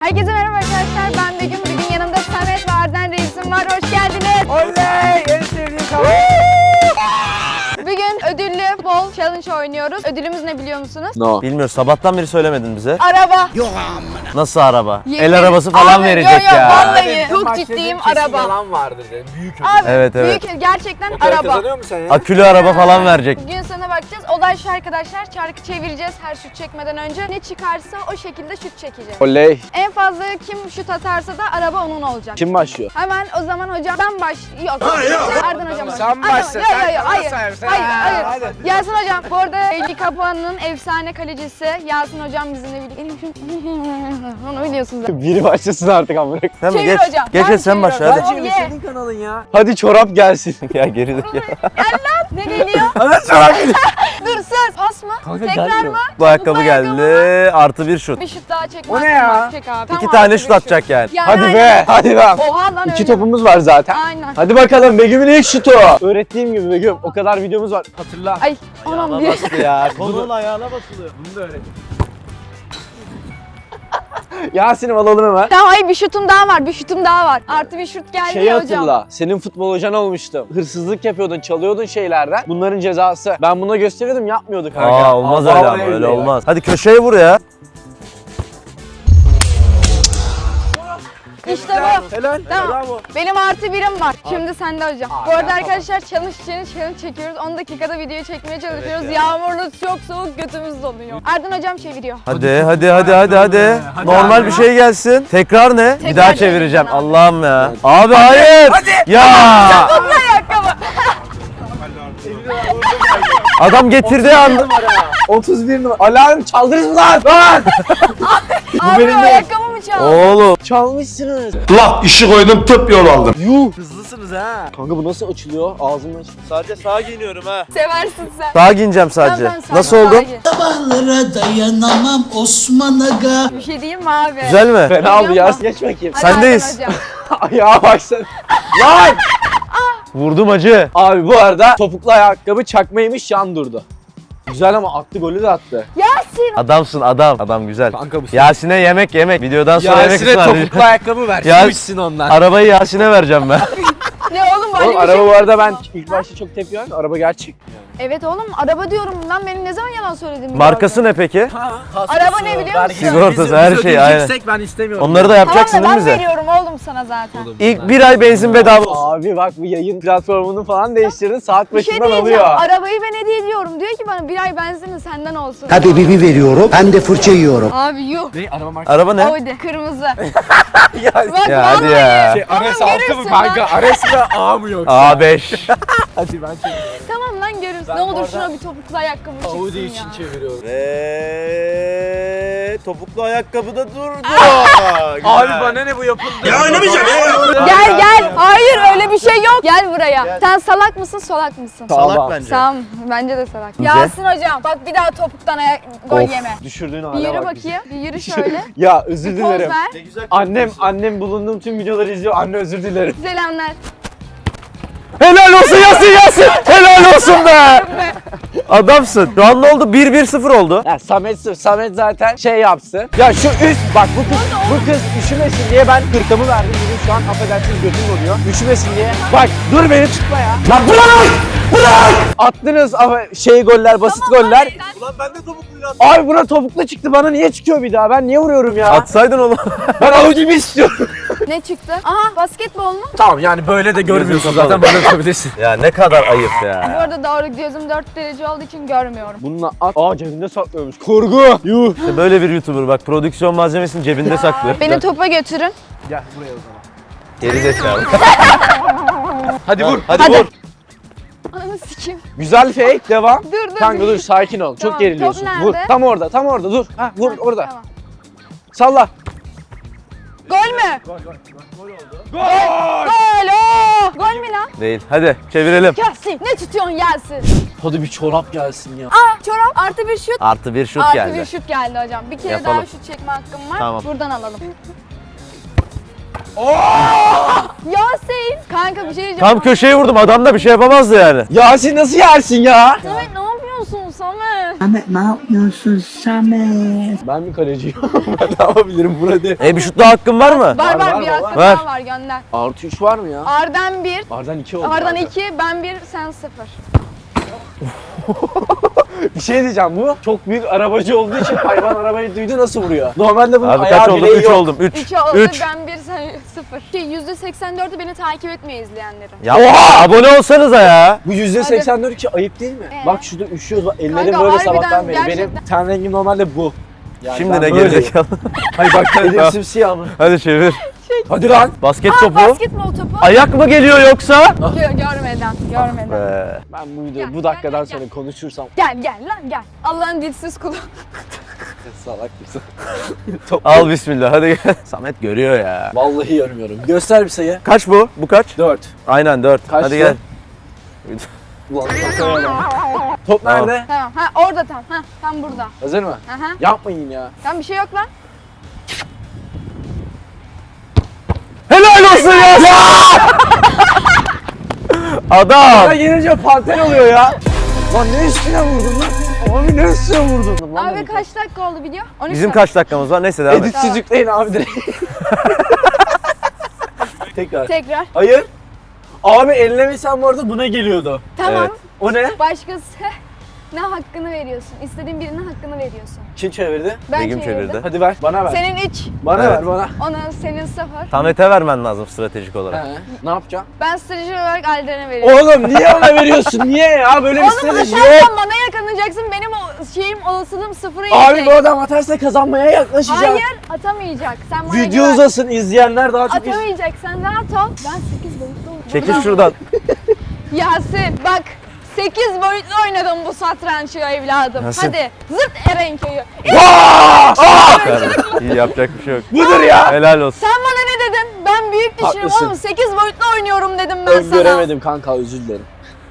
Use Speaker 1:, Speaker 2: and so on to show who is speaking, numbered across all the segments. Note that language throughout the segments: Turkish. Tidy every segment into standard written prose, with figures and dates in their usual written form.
Speaker 1: Herkese merhaba arkadaşlar, ben Begüm. Bugün yanımda Samet ve Arden Reis'im var. Hoş geldiniz.
Speaker 2: Oley! En sevdiğim kanal.
Speaker 1: Bugün ödüllü bol challenge oynuyoruz. Ödülümüz ne biliyor musunuz?
Speaker 2: No.
Speaker 3: Bilmiyoruz. Sabahtan beri söylemedin bize.
Speaker 1: Araba.
Speaker 3: Nasıl araba?
Speaker 1: Yemin-
Speaker 3: El arabası falan
Speaker 1: Abi,
Speaker 3: verecek
Speaker 1: yo, yo,
Speaker 3: ya.
Speaker 1: vallahi çok ciddiyim, araba.
Speaker 2: Yalan vardır dedim. Büyük ödül.
Speaker 1: Abi
Speaker 3: Evet, evet.
Speaker 1: büyük gerçekten
Speaker 2: Okey,
Speaker 1: araba.
Speaker 2: kazanıyor musun sen ya?
Speaker 3: Akülü araba falan verecek.
Speaker 1: Bugün sana bakacağız. Olay şu arkadaşlar, çarkı çevireceğiz her şut çekmeden önce. Ne çıkarsa o şekilde şut çekeceğiz.
Speaker 2: Oley.
Speaker 1: En fazla kim şut atarsa da araba onun olacak.
Speaker 2: Kim başlıyor?
Speaker 1: Hemen o zaman hocam ben Yok. Arden hocam.
Speaker 2: Sen başla,
Speaker 1: Yok,
Speaker 2: sen
Speaker 1: yok, hayır.
Speaker 2: sen.
Speaker 1: Hayır.
Speaker 2: Hadi.
Speaker 1: Yasin hocam. Bu arada Eli Kapağı'nın efsane kalecisi Yasin hocam bizimle birlikte. Onu biliyorsunuz zaten.
Speaker 4: Biri başlasın artık amına.
Speaker 3: Değil mi?
Speaker 1: Çevir
Speaker 3: Geç.
Speaker 1: hocam.
Speaker 3: Geç
Speaker 1: Ben
Speaker 3: sen başla
Speaker 1: çeviriyorum.
Speaker 3: hadi.
Speaker 1: Ye.
Speaker 2: Çevir senin kanalın ya.
Speaker 4: Hadi çorap gelsin.
Speaker 3: Ya gerilik ya.
Speaker 1: Ne geliyor?
Speaker 2: Evet çorap.
Speaker 1: Dur söz. Pas mı? Tekrar mı?
Speaker 3: Bu ayakkabı geldi. Artı bir şut.
Speaker 1: Bir şut daha çek.
Speaker 2: O ne ya?
Speaker 1: Çek abi.
Speaker 3: İki
Speaker 1: Tamam,
Speaker 3: tane
Speaker 1: bir
Speaker 3: şut atacak yani.
Speaker 4: Hadi
Speaker 1: aynen.
Speaker 4: be. Hadi be.
Speaker 1: Oha lan
Speaker 4: İki
Speaker 1: öyle.
Speaker 4: topumuz var zaten.
Speaker 1: Aynen.
Speaker 4: Hadi bakalım Begüm'ün ilk şutu. Öğrettiğim gibi Begüm o kadar videomuz var. Hatırla.
Speaker 1: Ay anam bir.
Speaker 3: Bastı ya. Kolun ayağına basılıyor.
Speaker 2: Bunu da öğret.
Speaker 4: Yasin'im alalım hemen.
Speaker 1: Tamam ay bir şutum daha var. Bir şutum daha var. Artı bir şut geldi
Speaker 4: Şeyi
Speaker 1: ya hocam.
Speaker 4: hatırla. Senin futbol hocan olmuştum. Hırsızlık yapıyordun, çalıyordun şeylerden. Bunların cezası. Ben buna gösteriyordum, yapmıyordu kanka.
Speaker 3: Aa olmaz öyle ama öyle olmaz. Hadi köşeye vur ya.
Speaker 1: İşte bu.
Speaker 2: Helal.
Speaker 1: Tamam.
Speaker 2: Bravo.
Speaker 1: Benim artı birim var. Şimdi sende hocam. Bu arada arkadaşlar challenge çekiyoruz. 10 dakikada videoyu çekmeye çalışıyoruz. Yağmurlu, çok soğuk, götümüz donuyor. Arden hocam çeviriyor.
Speaker 3: Hadi. Normal bir şey gelsin. Tekrar ne? Bir daha çevireceğim.
Speaker 1: çevireceğim.
Speaker 3: Allah'ım ya. Abi hayır. Ya.
Speaker 1: Ayakkabı.
Speaker 3: Adam getirdiği anda.
Speaker 4: 31 numara. Alarm çaldınız mı lan? Lan!
Speaker 1: Abi
Speaker 4: benim de-
Speaker 1: ayakkabı mı çaldı?
Speaker 3: Oğlum.
Speaker 4: Çalmışsınız.
Speaker 5: La işi koydum tıp yol aldım.
Speaker 4: Yuh.
Speaker 2: Hızlısınız ha.
Speaker 4: Kanka bu nasıl açılıyor? Ağzımdan açılıyor.
Speaker 3: Sadece sağa giyiniyorum ha.
Speaker 1: Seversin sen.
Speaker 3: Sağa giyineceğim sadece.
Speaker 1: Tamam, sen
Speaker 3: Nasıl
Speaker 1: sağa
Speaker 3: oldu?
Speaker 1: gir.
Speaker 6: Sabahlara dayanamam Osman Aga.
Speaker 1: Bir şey diyeyim mi abi?
Speaker 3: Güzel mi?
Speaker 4: Fena oldu
Speaker 1: Geliyor
Speaker 4: Yasin.
Speaker 1: mu?
Speaker 4: Geç bakayım.
Speaker 1: Hadi
Speaker 3: Sendeyiz.
Speaker 1: Arden hocam.
Speaker 4: Ayağa başladı. Lan!
Speaker 3: Vurdum acı.
Speaker 4: Abi bu arada topuklu ayakkabı çakmaymış, yan durdu. Güzel ama attı, golü de attı.
Speaker 1: Yasin.
Speaker 3: Adamsın adam. Adam güzel.
Speaker 2: Kanka bu
Speaker 3: Yasin'e yemek. Videodan sonra yemek
Speaker 2: Yasin'e
Speaker 3: ısmarlayacağım.
Speaker 2: topuklu ayakkabı ver.
Speaker 3: Ya-
Speaker 2: Su içsin ondan.
Speaker 3: Arabayı Yasin'e vereceğim ben.
Speaker 1: Ne oğlum böyle
Speaker 4: Oğlum
Speaker 1: bir şey
Speaker 4: araba
Speaker 1: mi
Speaker 4: bu arada ben
Speaker 1: yapıyorsun?
Speaker 4: ilk başta çok tepki verdim. Araba gerçek.
Speaker 1: Evet oğlum araba diyorum lan, benim ne zaman yalan söyledim?
Speaker 3: Markası ne peki?
Speaker 1: Araba ne biliyor musun?
Speaker 3: Sigortası, her şey, aynen.
Speaker 2: Ben istemiyorum.
Speaker 3: Onları da yapacaksın
Speaker 1: Tamam
Speaker 3: değil
Speaker 1: da
Speaker 3: mi
Speaker 1: ben
Speaker 3: bize?
Speaker 1: veriyorum oğlum sana zaten.
Speaker 3: İlk bir ay benzin bedava olsun.
Speaker 4: Abi bak bu yayın platformunu falan değiştirdin. Saat
Speaker 1: Bir şey
Speaker 4: başından
Speaker 1: diyeceğim.
Speaker 4: alıyor.
Speaker 1: Arabayı ben hediye ediyorum. Diyor ki bana bir ay benzinin senden olsun.
Speaker 6: Habibi veriyorum. Ben de fırça yiyorum.
Speaker 1: Abi yuh.
Speaker 2: Ne araba markası?
Speaker 3: Araba ne?
Speaker 1: Audi kırmızı.
Speaker 2: Ya,
Speaker 1: Bak
Speaker 3: Ya hadi
Speaker 1: vallahi.
Speaker 3: ya.
Speaker 2: Şey, Ares
Speaker 1: Oğlum,
Speaker 2: 6 mı
Speaker 1: görürsün
Speaker 2: kanka?
Speaker 1: lan.
Speaker 2: Ares mi A mı yoksa?
Speaker 3: A5.
Speaker 2: Hadi ben çeviriyorum.
Speaker 1: Tamam lan görürsün.
Speaker 2: Ben
Speaker 1: Ne olur
Speaker 2: orada
Speaker 1: şuna bir topuklu ayakkabı çıksın
Speaker 2: Audi
Speaker 1: ya.
Speaker 2: için çeviriyorum.
Speaker 3: Ve topuklu ayakkabı da durdu.
Speaker 2: Abi bana ne bu yapıldı?
Speaker 5: Ya oynamayacağım ya.
Speaker 1: Gel. Hayır öyle bir şey yok. Gel buraya. Sen salak mısın solak mısın?
Speaker 3: Salak bence.
Speaker 1: Tamam bence de salak.
Speaker 3: Nice.
Speaker 1: Yasin hocam bak bir daha topuktan gol
Speaker 4: Of,
Speaker 1: yeme.
Speaker 4: düşürdüğün
Speaker 1: Bir
Speaker 4: hale
Speaker 1: yürü
Speaker 4: bak.
Speaker 1: bakayım. Bir yürü şöyle.
Speaker 4: Ya özür
Speaker 1: Bir poz
Speaker 4: dilerim.
Speaker 1: ver.
Speaker 4: Annem bulunduğum tüm videoları izliyor. Anne özür dilerim.
Speaker 1: Selamlar.
Speaker 3: Helal olsun Yasin. Helal olsun be. Adamsın. Şu an ne oldu? 1-1-0 oldu.
Speaker 4: Ya Samet zaten şey yapsın. Ya şu üst bak bu kız üşümesin diye ben hırkamı verdim. Bugün şu an affedersiniz götüm oluyor. Üşümesin diye. Bak dur beni tutma ya. Lan bırak! Attınız ama goller, basit goller.
Speaker 3: Ulan ben de topukluyla
Speaker 4: Abi buna topuklu çıktı, bana niye çıkıyor bir daha? Ben niye vuruyorum ya?
Speaker 3: Atsaydın onu.
Speaker 4: Ben Audi'mi istiyorum.
Speaker 1: Ne çıktı? Aha basketbol mu?
Speaker 2: Tamam yani böyle de görmüyorsun
Speaker 3: Gözünü
Speaker 2: zaten böyle yapabilirsin.
Speaker 3: Ya ne kadar ayıp
Speaker 1: Bu
Speaker 3: ya.
Speaker 1: arada doğru gözüm 4 derece olduğu için görmüyorum.
Speaker 4: Bununla at. Aa cebinde saklıyormuş. Kurgu. Yuh.
Speaker 3: İşte böyle bir YouTuber bak prodüksiyon malzemesini cebinde saklıyor.
Speaker 1: Beni topa götürün.
Speaker 2: Gel buraya o zaman.
Speaker 3: Geri zekalı.
Speaker 2: Hadi vur.
Speaker 3: Hadi vur.
Speaker 1: Ananı sikeyim.
Speaker 4: Güzel fake, devam.
Speaker 1: Dur.
Speaker 4: Kanka dur sakin ol.
Speaker 1: Tamam,
Speaker 4: Çok geriliyorsun.
Speaker 1: top
Speaker 4: Vur.
Speaker 1: nerede?
Speaker 4: Tam orada dur. Ha vur orada.
Speaker 1: Tamam.
Speaker 4: Salla.
Speaker 1: Gol mü?
Speaker 2: Gol.
Speaker 1: Gol! Oo! Gol mü lan?
Speaker 3: Değil. Hadi çevirelim.
Speaker 1: Yasin ne tutuyorsun Yasin?
Speaker 4: Hadi bir çorap gelsin ya.
Speaker 1: Aa çorap artı bir şut.
Speaker 3: Artı bir şut
Speaker 1: Artı
Speaker 3: geldi.
Speaker 1: bir şut geldi hocam. Bir kere
Speaker 3: Yapalım.
Speaker 1: daha şut çekme hakkım var.
Speaker 3: Tamam.
Speaker 1: Buradan alalım. Yasin! Kanka bir şey diyeceğim.
Speaker 3: Tam köşeye vurdum. Adam da bir şey yapamazdı yani.
Speaker 4: Yasin nasıl yersin ya?
Speaker 1: Samet ne yapıyorsun Samet?
Speaker 6: Ahmet ne yapıyorsun Samet?
Speaker 4: Ben mi kaleciyim? Ben ne yapabilirim burada?
Speaker 3: Bir şut daha hakkın var mı?
Speaker 1: Var
Speaker 4: var,
Speaker 1: var bir
Speaker 4: var.
Speaker 1: hakkın
Speaker 3: Ver.
Speaker 1: daha var gönder.
Speaker 4: Artı 3 var mı ya?
Speaker 1: Arden 1,
Speaker 4: Ardan 2 oldu.
Speaker 1: Ardan
Speaker 4: zaten.
Speaker 1: 2, ben 1, sen 0.
Speaker 4: Bir şey diyeceğim, bu çok büyük arabacı olduğu için hayvan arabayı duydu nasıl vuruyor? Normalde bunun
Speaker 3: Abi
Speaker 4: ayağı
Speaker 3: kaç oldum?
Speaker 4: bileği
Speaker 3: 3
Speaker 4: yok.
Speaker 3: oldum. 3.
Speaker 1: 3 oldu,
Speaker 3: 3.
Speaker 1: ben 1, sen 0. %84'ü beni takip etmiyor izleyenlerim.
Speaker 3: Ya abone olsanıza ya.
Speaker 4: Bu %84 ki ayıp değil mi? Bak şurada üşüyoruz, bak ellerim
Speaker 1: Kanka,
Speaker 4: böyle
Speaker 1: harbiden
Speaker 4: sabahtan beri. Benim
Speaker 1: gerçekten.
Speaker 4: ten rengim normalde bu. Yani
Speaker 3: Şimdi
Speaker 4: ben
Speaker 3: ne
Speaker 4: böyleyim.
Speaker 3: gelecek?
Speaker 4: Hayır bak elim simsiyah mı?
Speaker 3: Hadi çevir.
Speaker 4: Hadi lan.
Speaker 3: Basket
Speaker 1: Aa,
Speaker 3: topu.
Speaker 1: basketbol topu.
Speaker 3: Ayak mı geliyor yoksa?
Speaker 1: Görmeden.
Speaker 4: Ben bu videoyu bu dakikadan sonra konuşursam
Speaker 1: Gel lan gel. Allah'ın dilsiz kulu.
Speaker 4: salak mısın?
Speaker 3: Al bismillah hadi gel. Samet görüyor ya.
Speaker 4: Vallahi görmüyorum. Göster bir sayı.
Speaker 3: Kaç bu? Bu kaç?
Speaker 4: 4.
Speaker 3: Aynen 4.
Speaker 4: Kaç
Speaker 3: Hadi
Speaker 4: bu?
Speaker 3: gel.
Speaker 4: Ulan top
Speaker 3: Tamam.
Speaker 4: nerede?
Speaker 1: Tamam. Ha orada tam burada.
Speaker 4: Hazır mı?
Speaker 1: Aha.
Speaker 4: Yapmayın ya.
Speaker 1: Tam bir şey yok lan.
Speaker 3: Helal olsun ya. Adam.
Speaker 4: Ya gelince panter oluyor ya. Lan ne üstüne vurdun lan? Abi ne üstüne vurdun lan?
Speaker 1: Abi kaç dakika oldu video? 13
Speaker 3: Bizim
Speaker 1: dakika.
Speaker 3: kaç dakikamız var? Neyse devam et.
Speaker 4: Editsiz yükleyin abi direkt. Tekrar.
Speaker 1: Tekrar.
Speaker 4: Hayır. Abi ellemesen bu arada buna geliyordu.
Speaker 1: Tamam.
Speaker 3: Evet.
Speaker 4: O ne?
Speaker 1: Başkası ne hakkını veriyorsun? İstediğin birine hakkını veriyorsun.
Speaker 4: Kim çevirdi?
Speaker 1: Ben
Speaker 3: Begüm
Speaker 1: çevirdim.
Speaker 3: çevirdi.
Speaker 4: Hadi ver. Bana ver.
Speaker 1: Senin 3,
Speaker 4: Bana
Speaker 3: Evet.
Speaker 4: ver bana.
Speaker 1: onun senin 0.
Speaker 3: Samet'e vermen lazım stratejik olarak.
Speaker 4: He. Ne yapacağım?
Speaker 1: Ben strateji olarak Alden'e veriyorum.
Speaker 4: Oğlum niye ona veriyorsun? Niye ya? Böyle bir
Speaker 1: Oğlum
Speaker 4: strateji
Speaker 1: atarsan
Speaker 4: yok.
Speaker 1: bana yakalayacaksın. Benim o şeyim olasılığım 0'a
Speaker 4: Abi
Speaker 1: inecek.
Speaker 4: bu adam atarsa kazanmaya yaklaşacak.
Speaker 1: Hayır atamayacak. Sen bana
Speaker 4: Video
Speaker 1: güven.
Speaker 4: uzasın, izleyenler daha çok
Speaker 1: Atamayacak. Sen rahat ol. Ben 8 boyutlu oynadım.
Speaker 3: Çekil şuradan.
Speaker 1: Yasin bak 8 boyutlu oynadım bu satrançı evladım.
Speaker 3: Yasin.
Speaker 1: Hadi zırt Erenköy'ü.
Speaker 3: İyi yapacak bir şey yok.
Speaker 4: Budur ya.
Speaker 3: Helal olsun.
Speaker 1: Sen bana ne dedin? Ben büyük düşünüyorum
Speaker 4: Haklısın.
Speaker 1: oğlum 8 boyutlu oynuyorum dedim ben sana.
Speaker 4: Öngöremedim kanka, özür dilerim.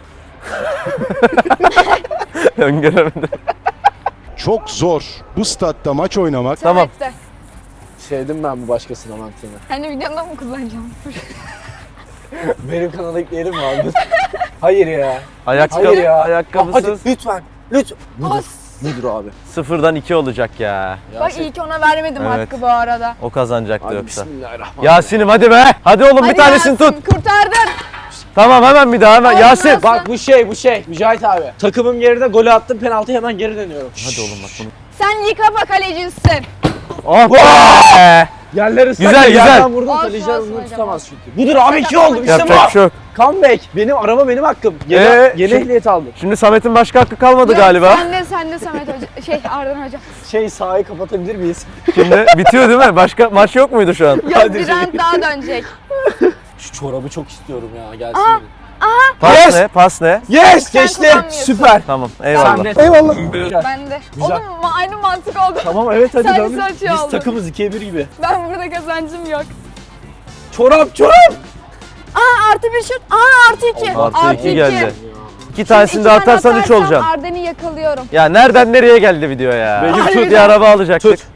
Speaker 3: Öngöremedim.
Speaker 5: Çok zor bu statta maç oynamak.
Speaker 3: Tamam.
Speaker 1: Samet'te.
Speaker 4: Sevdim ben bu başkasına mantığını.
Speaker 1: Hani videonda mı kullanacağım?
Speaker 4: Benim kanala ekleyelim mi abi? Hayır ya.
Speaker 3: Ayakkabı,
Speaker 4: Hayır ya.
Speaker 3: ayakkabısız.
Speaker 4: Hadi lütfen. Lütfen. Budur.
Speaker 1: Os.
Speaker 4: Budur abi.
Speaker 3: 0'dan 2 olacak ya.
Speaker 1: Bak iyi ki ona vermedim
Speaker 3: Evet.
Speaker 1: hakkı bu arada.
Speaker 3: O kazanacaktı
Speaker 4: Abi
Speaker 3: yoksa.
Speaker 4: bismillahirrahmanirrahim.
Speaker 3: Yasin'im hadi be. Hadi oğlum bir
Speaker 1: Hadi
Speaker 3: tanesini
Speaker 1: Yasin,
Speaker 3: tut.
Speaker 1: Kurtardın.
Speaker 3: Tamam hemen bir daha hemen.
Speaker 1: Olmaz.
Speaker 3: Yasin.
Speaker 4: Bak bu şey Mücahit abi. Takımım geride, golü attım, penaltı, hemen geri dönüyorum.
Speaker 3: Hadi oğlum bak bunu.
Speaker 1: Sen yıkama kalecisin.
Speaker 3: Oh be.
Speaker 4: Yerler ıslak.
Speaker 3: Güzel,
Speaker 4: ya,
Speaker 3: güzel.
Speaker 4: yerden vurdum,
Speaker 1: Olsun,
Speaker 4: kaleciler
Speaker 1: olsun
Speaker 4: bunu
Speaker 1: hocam,
Speaker 4: tutamaz
Speaker 1: olsun.
Speaker 4: çünkü. Budur abi, 2 oldu. İşte
Speaker 3: Yapacak bir
Speaker 4: bu.
Speaker 3: şey yok.
Speaker 4: Comeback. Benim araba benim hakkım. Yeni, yeni
Speaker 3: şimdi-
Speaker 4: ehliyet aldım.
Speaker 3: Şimdi Samet'in başka hakkı kalmadı
Speaker 1: Yok,
Speaker 3: galiba.
Speaker 1: Sen de Samet Hoca. Ardan Hoca.
Speaker 4: Sahayı kapatabilir miyiz?
Speaker 3: Şimdi bitiyor değil mi? Başka maç yok muydu şu an?
Speaker 1: Yok bir round daha dönecek.
Speaker 4: Şu çorabı çok istiyorum ya, gelsin.
Speaker 1: Aa.
Speaker 4: benim.
Speaker 3: Pas
Speaker 4: Yes!
Speaker 3: ne? Pas ne?
Speaker 4: Yes,
Speaker 1: Sen
Speaker 4: geçti.
Speaker 1: kullanmıyorsun.
Speaker 4: Süper.
Speaker 3: Tamam
Speaker 4: Sen
Speaker 3: eyvallah.
Speaker 4: de. Eyvallah.
Speaker 1: Ben de.
Speaker 4: Güzel.
Speaker 1: Oğlum aynı mantık oldu.
Speaker 4: Tamam evet hadi
Speaker 1: Sen
Speaker 4: dön.
Speaker 1: saç
Speaker 4: Biz
Speaker 1: aldın.
Speaker 4: takımız 2'ye 1 gibi.
Speaker 1: Ben burada kazancım yok.
Speaker 4: Çorap.
Speaker 1: Artı bir şut. artı 2.
Speaker 3: Artı 2 geldi. 2 tanesini de
Speaker 1: tane
Speaker 3: atarsan 3
Speaker 1: atarsam
Speaker 3: olacağım.
Speaker 1: Arden'i yakalıyorum.
Speaker 3: Ya nereden nereye geldi video ya?
Speaker 4: Begüm
Speaker 3: Tut
Speaker 1: tut.
Speaker 3: bir araba alacaktık.
Speaker 4: Tut.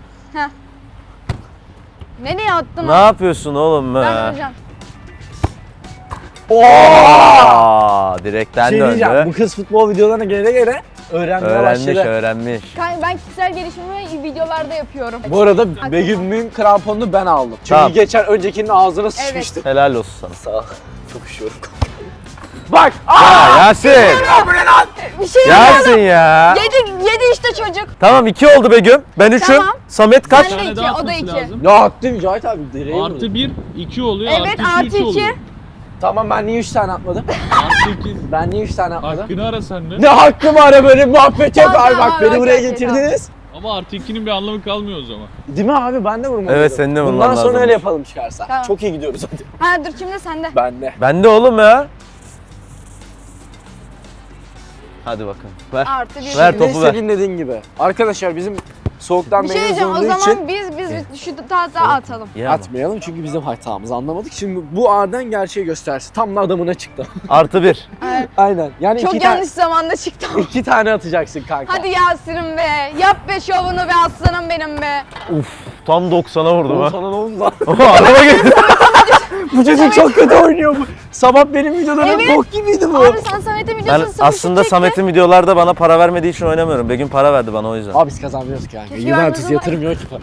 Speaker 1: Nereye attın
Speaker 3: Ne
Speaker 1: o?
Speaker 3: yapıyorsun oğlum be?
Speaker 1: Ben hocam.
Speaker 3: Direkten
Speaker 4: Şey diyeceğim, bu
Speaker 3: döndü.
Speaker 4: kız futbol videolarına gele öğrenmeye
Speaker 3: Öğrenmiş,
Speaker 4: başladı.
Speaker 3: öğrenmiş.
Speaker 1: Ben kişisel gelişimimi videolarda yapıyorum.
Speaker 4: Bu arada Begüm'ün kramponunu ben aldım. Çünkü
Speaker 3: Tamam.
Speaker 4: geçen öncekinin ağzına sıçmıştı.
Speaker 3: Helal olsun sana.
Speaker 4: Sağ ol. Çok üşüyorum. Bak!
Speaker 3: Ya Yasin!
Speaker 1: Bir şey yok.
Speaker 3: Yasin ya!
Speaker 1: Yedi işte çocuk.
Speaker 3: Tamam 2 oldu Begüm. Ben 3'üm.
Speaker 1: Tamam.
Speaker 3: Samet kaç?
Speaker 1: Sen de 2, o da 2.
Speaker 4: Ya attı Mücahit abi. Direğe vurdu.
Speaker 7: Artı 1, 2 oluyor.
Speaker 1: Evet
Speaker 7: artı
Speaker 1: artı
Speaker 7: 2, 3 oluyor.
Speaker 1: 2.
Speaker 4: Tamam, ben niye 3 tane atmadım?
Speaker 7: Artı 2.
Speaker 4: Ben niye 3 tane atmadım?
Speaker 7: Hakkını ara sen de.
Speaker 4: Ne hakkım var, böyle muhabbet yok
Speaker 1: Tamam,
Speaker 4: abi, bak
Speaker 1: tamam,
Speaker 4: beni
Speaker 1: okey,
Speaker 4: buraya
Speaker 1: okey,
Speaker 4: getirdiniz.
Speaker 7: Ama artı 2'nin bir anlamı kalmıyor o zaman.
Speaker 4: Değil mi abi, ben de vurmalıyım.
Speaker 3: Evet, senin de vurman
Speaker 4: Bundan sonra
Speaker 3: lazım.
Speaker 4: öyle yapalım çıkarsa.
Speaker 1: Tamam.
Speaker 4: Çok iyi gidiyoruz hadi.
Speaker 1: Ha dur şimdi sende.
Speaker 4: Ben de.
Speaker 3: Ben de oğlum ya. Hadi bakın. Ver.
Speaker 1: Artı 1.
Speaker 3: Ver
Speaker 4: Ne
Speaker 3: topu ver.
Speaker 4: istediğin dediğin gibi. Arkadaşlar bizim soğuktan
Speaker 1: Bir şey
Speaker 4: beyniz
Speaker 1: diyeceğim o
Speaker 4: donduğu
Speaker 1: zaman
Speaker 4: için
Speaker 1: biz şu tahta atalım.
Speaker 3: İyi ama.
Speaker 4: atmayalım çünkü bizim hatamızı anlamadık. Şimdi bu Arden gerçeği göstersin. Tam da adamına çıktı.
Speaker 3: Artı 1.
Speaker 4: Aynen. Yani
Speaker 1: Çok
Speaker 4: iki,
Speaker 1: yanlış zamanda çıktım.
Speaker 4: 2 tane atacaksın kanka.
Speaker 1: Hadi Yasin'im be. Yap be şovunu be aslanım benim be.
Speaker 3: Tam 90'a vurdum
Speaker 4: Oğlum
Speaker 3: ha.
Speaker 4: sana ne oldu lan?
Speaker 3: Araba geldi.
Speaker 4: Bu çocuk çok kötü oynuyor bu. Sabah benim videolarım
Speaker 1: Evet.
Speaker 4: bok gibiydi bu.
Speaker 1: Abi sen Samet'e
Speaker 3: Ben
Speaker 1: videosunu
Speaker 3: aslında Samet'in videolarda bana para vermediği için oynamıyorum. Begüm para verdi bana o yüzden.
Speaker 4: Abi biz kazanmıyoruz ki yani.
Speaker 1: Keşke
Speaker 4: Juventus
Speaker 1: vermez ama-
Speaker 4: yatırmıyor ki para.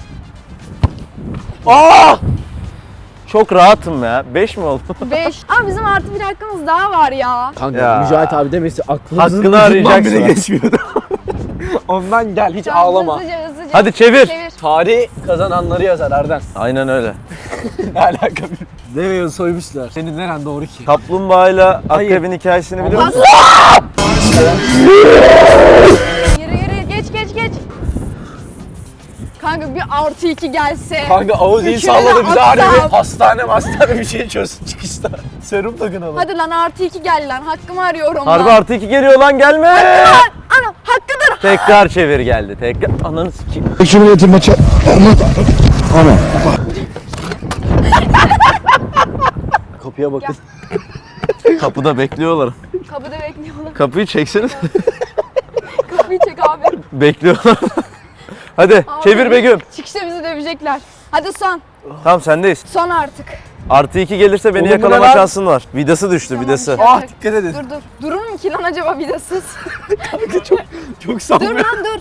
Speaker 4: Aa!
Speaker 3: Çok rahatım ya. 5 mi oldu?
Speaker 1: 5. Abi bizim artı bir hakkımız daha var ya.
Speaker 4: Kanka
Speaker 3: Ya.
Speaker 4: Mücahit abi demesi aklımızın
Speaker 3: Hakkını
Speaker 4: ucundan
Speaker 3: arayacaksın.
Speaker 4: bile geçmiyordu. Ondan gel hiç
Speaker 1: Tamam,
Speaker 4: ağlama.
Speaker 1: Hızlıca.
Speaker 3: Hadi çevir.
Speaker 4: Tarih kazananları yazar Erden.
Speaker 3: Aynen öyle.
Speaker 4: Ne alaka bir? Deveyi soymuşlar. Senin neren doğru ki?
Speaker 3: Kaplumbağayla akrebin hikayesini biliyor musun?
Speaker 1: Yürü geç. Kanka bir artı 2 gelse.
Speaker 4: Kanka Audi'yi
Speaker 1: Üçüne
Speaker 4: salladı
Speaker 1: de
Speaker 4: bize harbi
Speaker 1: atsam.
Speaker 4: hastane bir şey çözsün çıkışta. Serum takın ama.
Speaker 1: Hadi lan artı 2 gel lan. Hakkımı arıyorum
Speaker 3: Harbi
Speaker 1: lan.
Speaker 3: artı 2 geliyor lan gelme.
Speaker 1: Ana hakkıdır.
Speaker 3: Tekrar çevir geldi. Tekrar. Ananı sikeyim.
Speaker 5: Cumhuriyeti maçı. Aman.
Speaker 4: Kapıya bakın.
Speaker 3: Kapıda bekliyorlar.
Speaker 1: Kapıda bekliyorlar.
Speaker 3: Kapıyı çekseniz.
Speaker 1: Kapıyı çek abi.
Speaker 3: Bekliyorlar. Hadi
Speaker 1: Abi.
Speaker 3: çevir Begüm.
Speaker 1: Çıkışta bizi dövecekler. Hadi son.
Speaker 3: Tamam sendeyiz.
Speaker 1: Son artık.
Speaker 3: Artı 2 gelirse beni
Speaker 4: Oğlum bu ne
Speaker 3: yakalama
Speaker 4: lan?
Speaker 3: şansın var. Vidası düştü
Speaker 1: Tamam,
Speaker 3: vidası.
Speaker 1: bir şey
Speaker 4: Ah
Speaker 1: yapacak.
Speaker 4: dikkat edin.
Speaker 1: Dur. Durur mu ki lan acaba vidasız?
Speaker 4: Çok
Speaker 1: Dur
Speaker 4: sanmıyorum.
Speaker 1: lan dur.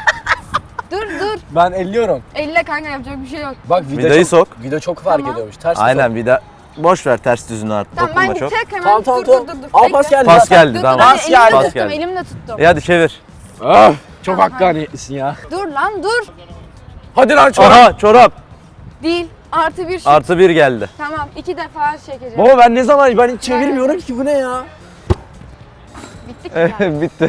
Speaker 1: Dur.
Speaker 4: Ben elliyorum.
Speaker 1: Elle kanka yapacak bir şey yok.
Speaker 4: Bak
Speaker 3: Vidayı sok.
Speaker 4: Vida çok fark
Speaker 1: Tamam.
Speaker 4: ediyormuş. Ters
Speaker 3: Aynen vida. Boş ver ters düzünü artık.
Speaker 1: Tamam
Speaker 3: Dokunma
Speaker 1: ben
Speaker 3: çok.
Speaker 1: tek hemen
Speaker 4: Tamam.
Speaker 1: dur.
Speaker 4: Al
Speaker 1: Bekle.
Speaker 4: pas geldi.
Speaker 3: Pas
Speaker 4: zaten.
Speaker 3: geldi
Speaker 1: Dur,
Speaker 3: tamam.
Speaker 4: Pas
Speaker 1: elimle
Speaker 4: geldi.
Speaker 1: tuttum,
Speaker 3: geldi.
Speaker 1: elimle tuttum.
Speaker 3: Hadi çevir.
Speaker 4: Ah, çok
Speaker 1: Tamam,
Speaker 4: hakkaniyetlisin ya.
Speaker 1: Dur lan dur.
Speaker 4: Hadi lan çorap.
Speaker 3: Aha çorap.
Speaker 1: Değil. Artı bir şut.
Speaker 3: Artı 1 geldi.
Speaker 1: Tamam 2 defa çekeceğim.
Speaker 4: Baba ben ne zaman ben hiç çevirmiyorum ki bu ne ya?
Speaker 1: Bittik mi yani?
Speaker 3: Bitti.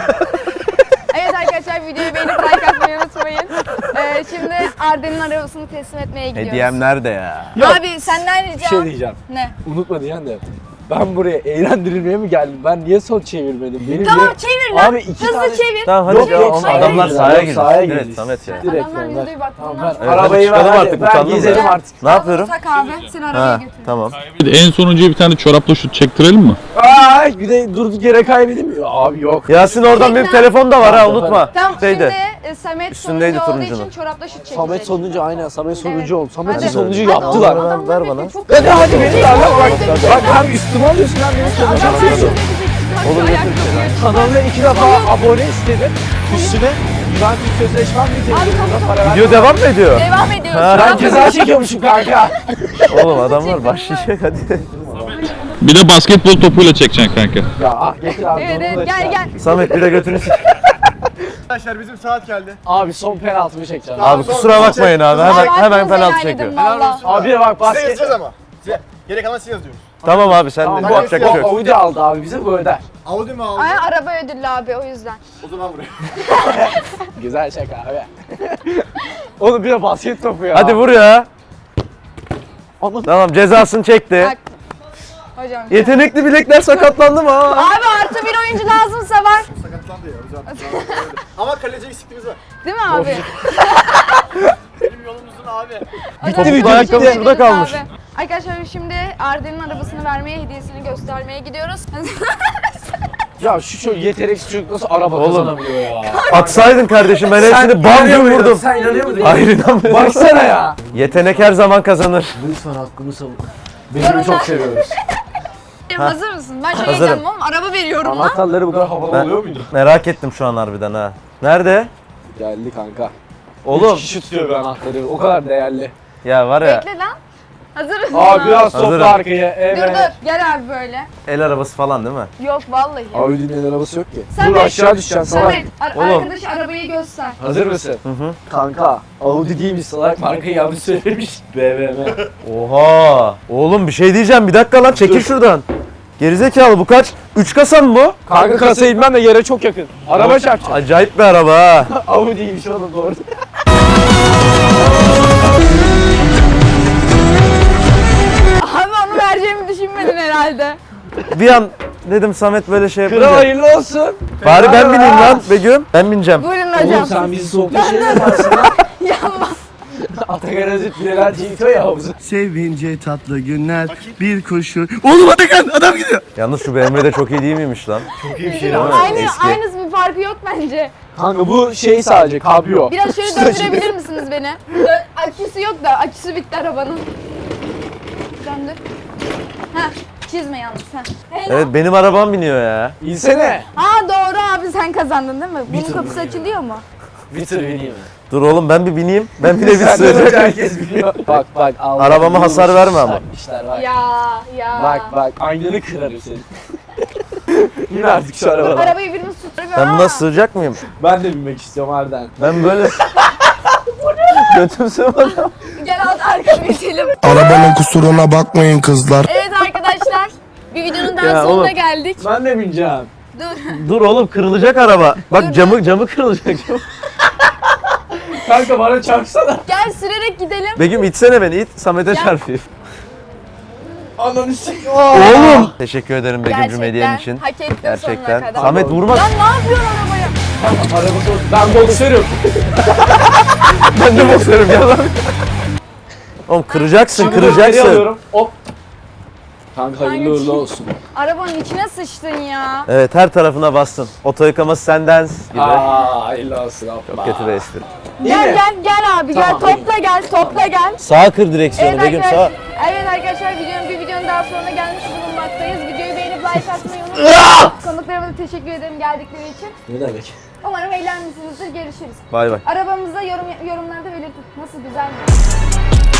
Speaker 1: Evet arkadaşlar videoyu beğenip like atmayı unutmayın. Şimdi Arden'in arabasını teslim etmeye gidiyoruz.
Speaker 3: Hediyem nerede ya?
Speaker 1: Abi senden
Speaker 4: Bir
Speaker 1: ricam.
Speaker 4: şey diyeceğim.
Speaker 1: Ne?
Speaker 4: Unutma diyen de. Ben buraya eğlendirilmeye mi geldim? Ben niye son çevirmedim? Benim
Speaker 1: Tamam
Speaker 4: niye-
Speaker 1: çevir lan.
Speaker 4: Abi iki
Speaker 1: Hızlı
Speaker 4: tane-
Speaker 1: çevir.
Speaker 3: Tamam hadi
Speaker 4: Yok,
Speaker 3: ya,
Speaker 4: yok,
Speaker 3: oğlum,
Speaker 4: sahaya
Speaker 3: adamlar
Speaker 4: gireceğiz.
Speaker 3: sahaya
Speaker 4: Yok,
Speaker 3: gireceğiz.
Speaker 4: sahaya
Speaker 3: Evet
Speaker 4: gireceğiz.
Speaker 3: Samet ya.
Speaker 4: Direkt
Speaker 1: Adamlar
Speaker 4: yani.
Speaker 1: videoyu bak.
Speaker 4: Tamam
Speaker 1: bunlar-
Speaker 4: ben
Speaker 3: Evet, hadi
Speaker 4: arabayı
Speaker 3: çıkalım
Speaker 4: ver.
Speaker 3: artık,
Speaker 4: Ben
Speaker 3: utandım
Speaker 4: gezelim
Speaker 1: ben.
Speaker 4: artık.
Speaker 3: Ne yapıyorum?
Speaker 1: Tak abi seni arabaya
Speaker 3: Ha
Speaker 1: götür.
Speaker 3: tamam.
Speaker 7: Bir de en sonuncuya bir tane çorapla şut çektirelim mi?
Speaker 4: Ay bir de durduk yere kaybedeyim mi? Abi yok.
Speaker 3: Yasin oradan benim telefon da var ha unutma.
Speaker 1: Tamam
Speaker 3: Şeyde.
Speaker 1: şimdi Samet
Speaker 3: Üstündeydi
Speaker 1: sonuncu olduğu
Speaker 3: turuncunun.
Speaker 1: için çorapla şut çekecek.
Speaker 4: Samet sonuncu aynen. Samet sonuncu
Speaker 1: Evet.
Speaker 4: oldu. Samet'i
Speaker 1: Hadi.
Speaker 4: sonuncu
Speaker 1: Hadi
Speaker 4: yaptılar.
Speaker 1: oğlum,
Speaker 3: Ver
Speaker 1: adamlar
Speaker 3: bana.
Speaker 1: bekle, çok
Speaker 4: Hadi hadi beni
Speaker 1: Çek,
Speaker 4: darla bak.
Speaker 1: çek,
Speaker 4: Bak
Speaker 1: çek.
Speaker 4: hem üstüme alıyorsun hem beni sonuncu
Speaker 1: Adamlar
Speaker 4: yapıyorsun.
Speaker 1: Olur
Speaker 4: Kanalına 2 defa abone istedim. Üstüne Juventus sözleşmem bitirdi.
Speaker 1: Abi,
Speaker 4: Buna para vermem.
Speaker 3: Video devam mı ediyor?
Speaker 1: Devam ediyoruz.
Speaker 3: Ha.
Speaker 4: Ben ceza çekiyormuşum kanka.
Speaker 3: Oğlum adamlar başlayacak hadi.
Speaker 7: Bir de basketbol topuyla çekeceksin kanka.
Speaker 4: Ya ah getir abi.
Speaker 1: Evet
Speaker 4: onu da
Speaker 1: evet gel
Speaker 4: işte.
Speaker 1: gel.
Speaker 3: Samet bir de götünü sik.
Speaker 2: Arkadaşlar bizim saat geldi.
Speaker 4: Abi son penaltımı çekeceğim.
Speaker 3: Abi kusura bakmayın abi hemen
Speaker 1: Abi,
Speaker 3: hemen
Speaker 1: hakkınızı
Speaker 3: penaltı
Speaker 1: helal edin
Speaker 3: çekiyor.
Speaker 1: valla.
Speaker 4: Abi bak
Speaker 2: Size
Speaker 4: basket.
Speaker 2: yazacağız ama. Size. Gerek kalan siz yazıyorsunuz.
Speaker 3: Tamam abi sen
Speaker 4: Tamam,
Speaker 3: de
Speaker 4: bu
Speaker 3: yapacak bir şey yok.
Speaker 4: Audi aldı abi bize bu öder.
Speaker 2: Audi mi aldı?
Speaker 1: Ay araba ödüllü abi o yüzden.
Speaker 2: O zaman buraya.
Speaker 4: Güzel şaka abi. Oğlum bir de basket topu ya.
Speaker 3: Hadi vur ya.
Speaker 4: Anladım.
Speaker 3: Tamam cezasını çekti.
Speaker 1: Bak. Hocam.
Speaker 3: Yetenekli bilekler sakatlandı mı ha?
Speaker 1: Abi artı bir oyuncu lazımsa var.
Speaker 2: Sakatlandı ya hocam. Ama kaleci eksikliğimiz var.
Speaker 1: Değil mi abi?
Speaker 2: Benim yolumuzun abi.
Speaker 1: Hocam,
Speaker 3: Bitti,
Speaker 1: çok
Speaker 3: ayakkabı
Speaker 1: teşekkür
Speaker 3: şurada
Speaker 1: ederiz
Speaker 3: kalmış.
Speaker 1: abi. Arkadaşlar şimdi Arden'in arabasını vermeye, hediyesini göstermeye gidiyoruz.
Speaker 4: Ya şu yeteneksiz çocuk nasıl araba
Speaker 3: Oğlum.
Speaker 4: kazanabiliyor ya?
Speaker 3: Atsaydın kardeşim ben hepsini bam
Speaker 4: inanıyor
Speaker 3: güm
Speaker 4: muydun?
Speaker 3: vurdum.
Speaker 4: Sen inanıyor muydun?
Speaker 3: Hayır inanmıyorum.
Speaker 4: Baksana ya.
Speaker 3: Yetenek her zaman kazanır.
Speaker 4: Lütfen hakkımı savun. Beni çok seviyoruz.
Speaker 1: Hazır mısın? Ben şey
Speaker 3: Hazırım.
Speaker 1: heyecanlıyım oğlum. Araba veriyorum lan.
Speaker 4: Anahtarları bu kadar havalı
Speaker 3: Ben-
Speaker 4: oluyor muydu?
Speaker 3: Merak ettim şu an harbiden ha. Nerede?
Speaker 4: Geldi kanka.
Speaker 3: Oğlum.
Speaker 4: 3 kişi tutuyor bu anahtarı. O kadar değerli.
Speaker 3: Ya var ya
Speaker 1: Bekle lan. Hazır mısın?
Speaker 4: Abi biraz
Speaker 3: Hazırım.
Speaker 4: topla arkaya.
Speaker 1: Dur
Speaker 4: Evet.
Speaker 1: dur. Gel abi böyle.
Speaker 3: el arabası falan değil mi?
Speaker 1: Yok vallahi.
Speaker 4: Audi'nin el arabası yok ki.
Speaker 1: Samet.
Speaker 4: Dur aşağı düşeceksin salak.
Speaker 1: Samet,
Speaker 3: Oğlum.
Speaker 1: arkadaş arabayı göster.
Speaker 4: Hazır mısın?
Speaker 3: Hı.
Speaker 4: Kanka Audi değilmiş salak markayı yanlış söylemiş. BMW.
Speaker 3: Oha. Oğlum bir şey diyeceğim bir dakika lan çekil şuradan. Gerizekalı bu kaç? 3 kasa mı bu?
Speaker 4: Kanka kasaya inmem de yere çok yakın. Araba çarpacak.
Speaker 3: Acayip bir araba ha.
Speaker 4: Audi'ymiş oğlum doğru.
Speaker 1: Abi onu vereceğimi düşünmedin herhalde.
Speaker 3: Bir an dedim Samet böyle şey
Speaker 4: Kral
Speaker 3: yapınca.
Speaker 4: hayırlı olsun.
Speaker 3: Bari ben bineyim lan Begüm. Ben bineceğim.
Speaker 1: Buyurun
Speaker 4: Oğlum
Speaker 1: hocam.
Speaker 4: sen bizi soğukta şey yaparsın lan.
Speaker 1: Yanma.
Speaker 4: Atakan Özüt Bileler Cinto ya havuzu.
Speaker 5: Sevince tatlı günler bir kuşu. Oğlum Atakan adam gidiyor.
Speaker 3: Yalnız şu BMW de çok iyi değil miymiş lan? Çok iyi bir şey
Speaker 1: Aynısı bir farkı yok bence.
Speaker 4: Kanka bu şey sadece kabrio.
Speaker 1: Biraz şöyle döndürebilir misiniz beni? Aküsü yok da aküsü bitti arabanın. Döndür. Heh, çizme yalnız. Heh.
Speaker 3: Evet benim arabam biniyor ya.
Speaker 4: İnsene.
Speaker 1: Aa doğru abi sen kazandın değil mi? Bunun kapısı açılıyor mu?
Speaker 4: Bir tır bineyim.
Speaker 3: Dur oğlum ben bir bineyim. Ben bir de bir sığacak.
Speaker 4: Herkes biliyor. Bak bak. Allah
Speaker 3: Arabama hasar verme ama.
Speaker 4: Takmışlar bak.
Speaker 1: Ya.
Speaker 4: Bak aynanı kırarım seni. Yine artık şu arabadan.
Speaker 1: Arabayı birimiz tutuyor.
Speaker 3: Ben buna sığacak mıyım?
Speaker 4: Ben de binmek istiyorum Arden.
Speaker 3: Ben böyle... Götüm sığmadı.
Speaker 1: Gel alt arkaya geçelim.
Speaker 5: Arabanın kusuruna bakmayın kızlar.
Speaker 1: Evet arkadaşlar. Bir videonun daha
Speaker 3: Ya
Speaker 1: sonuna
Speaker 3: oğlum.
Speaker 1: geldik.
Speaker 4: Ben de bineceğim.
Speaker 1: Dur.
Speaker 3: Dur oğlum kırılacak araba. Bak camı kırılacak.
Speaker 4: Kanka bana çarpsana.
Speaker 1: Gel sürerek gidelim.
Speaker 3: Begüm itsene beni it. Samet'e çarpayım.
Speaker 4: Ananı s***.
Speaker 3: Oğlum. Teşekkür ederim Begüm'cüm
Speaker 1: Gerçekten
Speaker 3: hediyen için.
Speaker 1: hak ettin
Speaker 3: Gerçekten.
Speaker 1: sonuna kadar.
Speaker 3: Samet vurma.
Speaker 1: Lan ne yapıyorsun arabaya?
Speaker 4: Ben boksörüm.
Speaker 3: Ben de boksörüm ya lan. Oğlum kıracaksın
Speaker 4: Geri
Speaker 3: kıracaksın.
Speaker 4: alıyorum. Hop. Kanka hayırlı uğurlu olsun.
Speaker 1: Arabanın içine sıçtın ya.
Speaker 3: Evet her tarafına bastın. Oto yıkaması senden gibi.
Speaker 4: Hayırlı olsun.
Speaker 3: Çok kötü bir espri.
Speaker 1: Gel abi
Speaker 4: Tamam,
Speaker 1: gel topla gel.
Speaker 3: Sağa kır direksiyonu Begüm sağa.
Speaker 1: Evet arkadaşlar bir videonun daha sonuna gelmiş bulunmaktayız. Videoyu beğenip like atmayı unutmayın. Konuklarıma da teşekkür ederim geldikleri için.
Speaker 4: Ne demek?
Speaker 1: Umarım eğlenmişsinizdir. Görüşürüz.
Speaker 3: Bay bay.
Speaker 1: Arabamızda yorumlarda belirtin. Nasıl güzel mi?